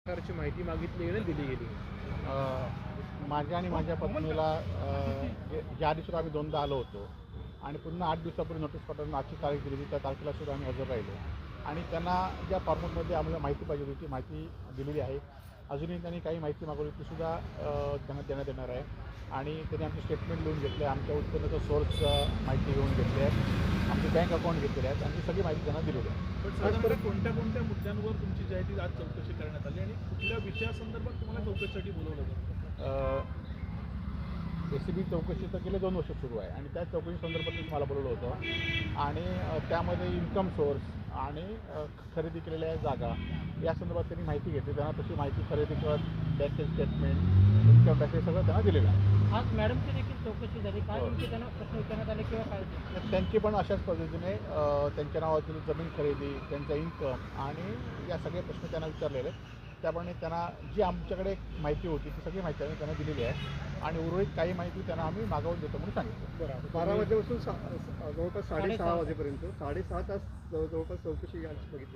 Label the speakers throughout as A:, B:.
A: प्रकारची माहिती मागितली आणि दिली गेली.
B: माझ्या आणि माझ्या पत्नीला या आधीसुद्धा आम्ही दोनदा आलो होतो आणि पुन्हा 8 दिवसापूर्वी नोटीस पाठवून आजची तारीख दिली होती. त्या तारखेला सुद्धा आम्ही हजर राहिलो आणि त्यांना ज्या फॉर्मॅटमध्ये आम्हाला माहिती पाहिजे होती ती माहिती दिलेली आहे. अजूनही त्यांनी काही माहिती मागवली तीसुद्धा त्यांना देण्यात येणार आहे आणि त्यांनी आमचे स्टेटमेंट लिहून घेतले, आमच्या उत्पन्नाचं सोर्स माहिती घेऊन घेतली आहे, आमचे बँक अकाउंट घेतलेले आहेत आणि सगळी माहिती त्यांना दिलेली आहे.
A: पण साधारण कोणत्या कोणत्या मुद्द्यांवर तुमची जी आहे ती आज चौकशी करण्यात आली आणि कुठल्या विषयासंदर्भात तुम्हाला चौकशीसाठी बोलवलं होतं?
B: ACB चौकशी तर गेले 2 वर्ष सुरू आहे आणि त्या चौकशी संदर्भात मी तुम्हाला बोलवलं होतं आणि त्यामध्ये इन्कम सोर्स आणि खरेदी केलेल्या जागा या संदर्भात त्यांनी माहिती घेतली. त्यांना तशी माहिती खरेदी करत बँकेचे स्टेटमेंट इन्कम टॅक्स हे सगळं त्यांना दिलेलं आहे.
C: आज मॅडमची देखील चौकशी झाली. काय नेमके त्यांना प्रश्न विचारण्यात आले किंवा काय?
B: त्यांची पण अशाच पद्धतीने त्यांच्या नावातील जमीन खरेदी, त्यांचा इन्कम आणि या सगळे प्रश्न त्यांना विचारलेले आहेत. त्याप्रमाणे त्यांना जी आमच्याकडे माहिती होती ती सगळी माहिती आम्ही त्यांना दिलेली आहे आणि उर्वरित काही माहिती त्यांना आम्ही मागवून देतो म्हणून सांगितलं.
A: बरं, 12 वाजल्यापासून जवळपास 6:30 वाजेपर्यंत 6.5 तास जवळपास चौकशी आज बघितली.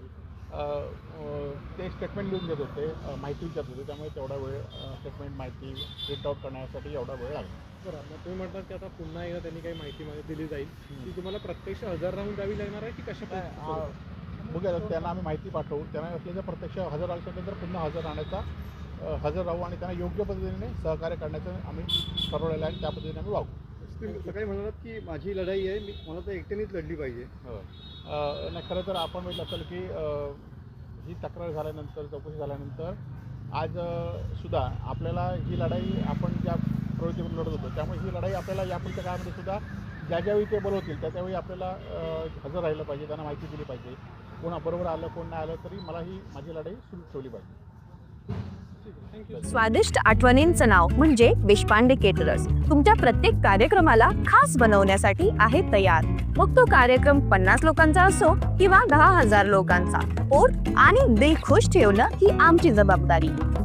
B: ते स्टेटमेंट लिहून देत होते, माहिती विचारत होते, त्यामुळे तेवढा वेळ स्टेटमेंट माहिती प्रिंट आउट करण्यासाठी एवढा वेळ लागला.
A: बरं, मग तुम्ही म्हणतात की आता पुन्हा एकदा त्यांनी काही माहिती दिली जाईल ती तुम्हाला प्रत्यक्ष हजर राहून द्यावी लागणार आहे की कशा?
B: बघूया, त्यांना आम्ही माहिती पाठवू. त्यांना असल्याचं प्रत्यक्ष हजर आल्यानंतर पुन्हा हजर राहण्याचा हजर राहू आणि त्यांना योग्य पद्धतीने सहकार्य करण्याचं आम्ही ठरवलेलं आहे आणि त्या पद्धतीने आम्ही वागू.
A: सकाळी म्हणालात की माझी लढाई आहे, मला तर एकट्यानेच लढली पाहिजे.
B: नाही, खरं तर आपण बघितलं असेल की ही तक्रार झाल्यानंतर, चौकशी झाल्यानंतर आज सुद्धा आपल्याला ही लढाई आपण ज्या प्रवृत्तीवर लढत होतो त्यामुळे ही लढाई आपल्याला यापुढच्या काळामध्ये सुद्धा ज्या ज्यावेळी ते बोलवतील त्या त्यावेळी आपल्याला हजर राहिलं पाहिजे, त्यांना माहिती दिली पाहिजे. कोणा बरोबर आलं कोण नाही आलं तरी मला ही माझी लढाई सुरू ठेवली पाहिजे.
D: स्वादिष्ट आठवणींचं नाव म्हणजे देशपांडे केटरर्स तुमच्या प्रत्येक कार्यक्रमाला खास बनवण्यासाठी आहे तयार. मग तो कार्यक्रम 50 लोकांचा असो किंवा 10,000 लोकांचा, पोट आणि दिल खुश ठेवणं ही आमची जबाबदारी.